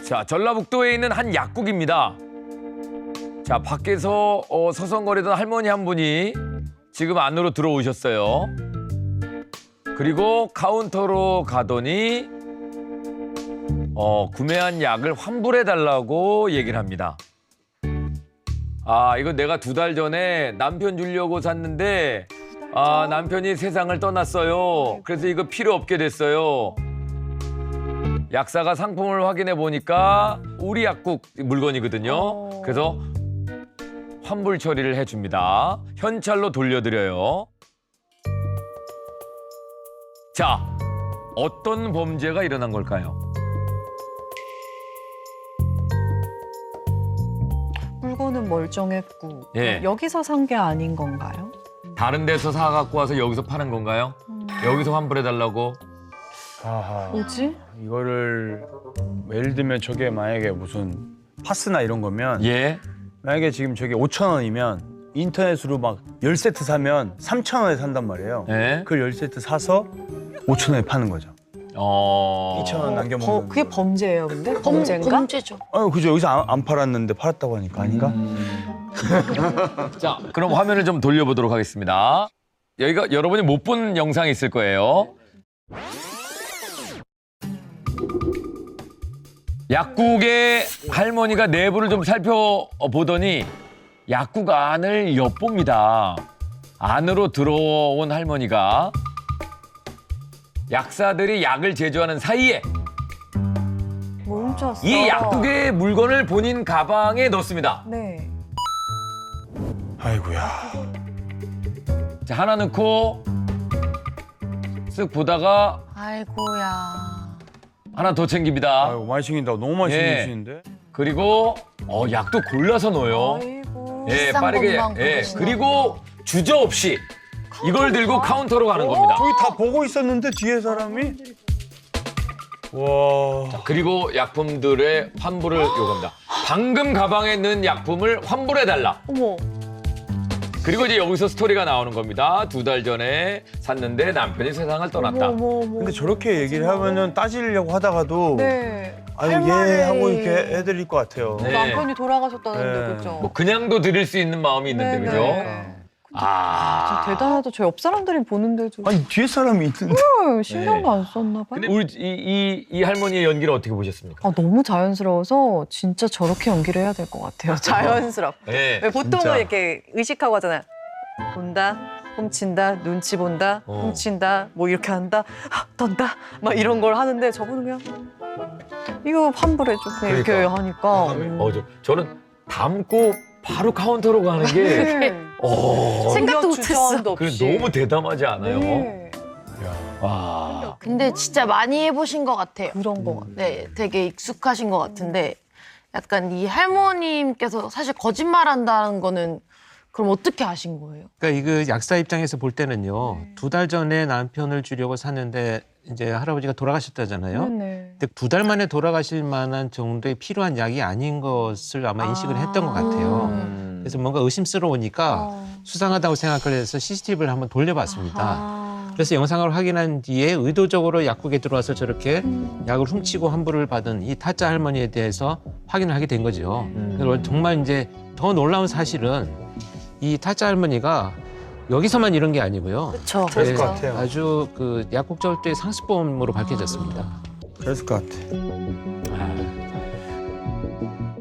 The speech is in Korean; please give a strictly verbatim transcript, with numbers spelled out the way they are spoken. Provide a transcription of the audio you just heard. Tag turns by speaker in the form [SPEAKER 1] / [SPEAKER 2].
[SPEAKER 1] 자, 전라북도에 있는 한 약국입니다. 자, 밖에서 어, 서성거리던 할머니 한 분이 지금 안으로 들어오셨어요. 그리고 카운터로 가더니 어, 구매한 약을 환불해달라고 얘기를 합니다. 아, 이거 내가 두 달 전에 남편 주려고 샀는데 아, 남편이 세상을 떠났어요. 그래서 이거 필요 없게 됐어요. 약사가 상품을 확인해 보니까 우리 약국 물건이거든요. 그래서 환불 처리를 해줍니다. 현찰로 돌려드려요. 자, 어떤 범죄가 일어난 걸까요?
[SPEAKER 2] 물건은 멀쩡했고
[SPEAKER 1] 예.
[SPEAKER 2] 여기서 산 게 아닌 건가요?
[SPEAKER 1] 다른 데서 사갖고 와서 여기서 파는 건가요? 여기서 환불해달라고?
[SPEAKER 3] 아하.
[SPEAKER 2] 뭐지?
[SPEAKER 3] 이거를 예를 들면 저게 만약에 무슨 파스나 이런 거면
[SPEAKER 1] 예.
[SPEAKER 3] 만약에 지금 저게 오천 원이면 인터넷으로 막 열 세트 사면 삼천 원에 산단 말이에요.
[SPEAKER 1] 예.
[SPEAKER 3] 그 열 세트 사서 오천 원에 파는 거죠.
[SPEAKER 1] 어.
[SPEAKER 3] 이천 원 남겨
[SPEAKER 2] 버-
[SPEAKER 3] 먹는.
[SPEAKER 2] 그게 범죄예요, 근데?
[SPEAKER 4] 범,
[SPEAKER 2] 범죄인가?
[SPEAKER 4] 범죄죠.
[SPEAKER 3] 아, 그죠. 여기서 안, 안 팔았는데 팔았다고 하니까 아닌가?
[SPEAKER 1] 자, 그럼 화면을 좀 돌려보도록 하겠습니다. 여기가 여러분이 못 본 영상이 있을 거예요. 약국의 할머니가 내부를 좀 살펴보더니 약국 안을 엿봅니다. 안으로 들어온 할머니가 약사들이 약을 제조하는 사이에
[SPEAKER 2] 뭐 훔쳤어?
[SPEAKER 1] 이 약국의 물건을 본인 가방에 넣습니다.
[SPEAKER 2] 네.
[SPEAKER 3] 아이고야.
[SPEAKER 1] 자, 하나 넣고 쓱 보다가
[SPEAKER 4] 아이고야.
[SPEAKER 1] 하나 더 챙깁니다.
[SPEAKER 3] 아이고 많이 챙긴다. 너무 많이
[SPEAKER 1] 예.
[SPEAKER 3] 챙기시는데.
[SPEAKER 1] 그리고 어, 약도 골라서 넣어요.
[SPEAKER 2] 아이고.
[SPEAKER 1] 예,
[SPEAKER 4] 비싼
[SPEAKER 1] 빠르게.
[SPEAKER 4] 것만
[SPEAKER 1] 예,
[SPEAKER 4] 고르시나
[SPEAKER 1] 그리고 주저없이 이걸 들고 카운터로 가는 겁니다.
[SPEAKER 3] 저기 다 보고 있었는데 뒤에 사람이. 와.
[SPEAKER 1] 그리고 약품들의 환불을 요구합니다. 방금 가방에 넣은 약품을 환불해달라.
[SPEAKER 2] 어머.
[SPEAKER 1] 그리고 이제 여기서 스토리가 나오는 겁니다. 두 달 전에 샀는데 남편이 세상을 떠났다.
[SPEAKER 2] 어머, 어머, 어머.
[SPEAKER 3] 근데 저렇게 얘기를 하면은 따지려고 하다가도
[SPEAKER 2] 네.
[SPEAKER 3] 아유
[SPEAKER 2] 할
[SPEAKER 3] 예
[SPEAKER 2] 말이-
[SPEAKER 3] 하고 이렇게 해드릴 것 같아요.
[SPEAKER 1] 네.
[SPEAKER 2] 남편이 돌아가셨다는데,
[SPEAKER 3] 네.
[SPEAKER 2] 그죠?
[SPEAKER 1] 뭐 그냥도 드릴 수 있는 마음이 있는데,
[SPEAKER 2] 네,
[SPEAKER 1] 그죠?
[SPEAKER 2] 네.
[SPEAKER 1] 아.
[SPEAKER 2] 진짜 대단하다. 저 옆 사람들이 보는데도
[SPEAKER 3] 아니 뒤에 사람이 있는데.
[SPEAKER 2] 헐, 신경도 안 썼나 봐요.
[SPEAKER 1] 근데 우리 이, 이, 이 할머니의 연기를 어떻게 보셨습니까?
[SPEAKER 2] 아, 너무 자연스러워서 진짜 저렇게 연기를 해야 될 것 같아요. 자연스럽게.
[SPEAKER 1] 네.
[SPEAKER 2] 왜 보통은
[SPEAKER 3] 진짜.
[SPEAKER 2] 이렇게 의식하고 하잖아요. 본다, 훔친다, 눈치 본다,
[SPEAKER 1] 어.
[SPEAKER 2] 훔친다, 뭐 이렇게 한다, 아, 던다, 막 이런 걸 하는데 저분은 그냥 이거 환불해줘 그냥 이렇게
[SPEAKER 1] 그러니까.
[SPEAKER 2] 하니까.
[SPEAKER 1] 어, 저, 저는 담고 바로 카운터로 가는 게
[SPEAKER 2] 네.
[SPEAKER 1] 어,
[SPEAKER 4] 생각도
[SPEAKER 2] 전혀 주저함도
[SPEAKER 1] 그래,
[SPEAKER 2] 없이.
[SPEAKER 1] 너무 대담하지 않아요?
[SPEAKER 2] 네.
[SPEAKER 1] 와.
[SPEAKER 4] 근데 진짜 많이 해보신 것 같아요.
[SPEAKER 2] 그런 거 같아요.
[SPEAKER 4] 네, 되게 익숙하신 것 같은데 약간 이 할머님께서 사실 거짓말한다는 거는 그럼 어떻게 아신 거예요?
[SPEAKER 5] 그러니까 이거 약사 입장에서 볼 때는요. 두 달 전에 남편을 주려고 샀는데 이제 할아버지가 돌아가셨다잖아요.
[SPEAKER 2] 네네.
[SPEAKER 5] 근데 두 달 만에 돌아가실 만한 정도의 필요한 약이 아닌 것을 아마 인식을 했던 것 같아요.
[SPEAKER 1] 음.
[SPEAKER 5] 그래서 뭔가 의심스러우니까
[SPEAKER 2] 어.
[SPEAKER 5] 수상하다고 생각을 해서 씨씨티비를 한번 돌려봤습니다.
[SPEAKER 2] 아.
[SPEAKER 5] 그래서 영상을 확인한 뒤에 의도적으로 약국에 들어와서 저렇게 약을 훔치고 환불을 받은 이 타짜 할머니에 대해서 확인을 하게 된 거죠.
[SPEAKER 1] 음.
[SPEAKER 5] 그리고 정말 이제 더 놀라운 사실은 이 타짜 할머니가 여기서만 이런 게 아니고요.
[SPEAKER 4] 그렇죠.
[SPEAKER 3] 그랬을 것 같아요.
[SPEAKER 5] 아주 그 약국 절도의 상습범으로 밝혀졌습니다.
[SPEAKER 3] 그랬을 것 같아.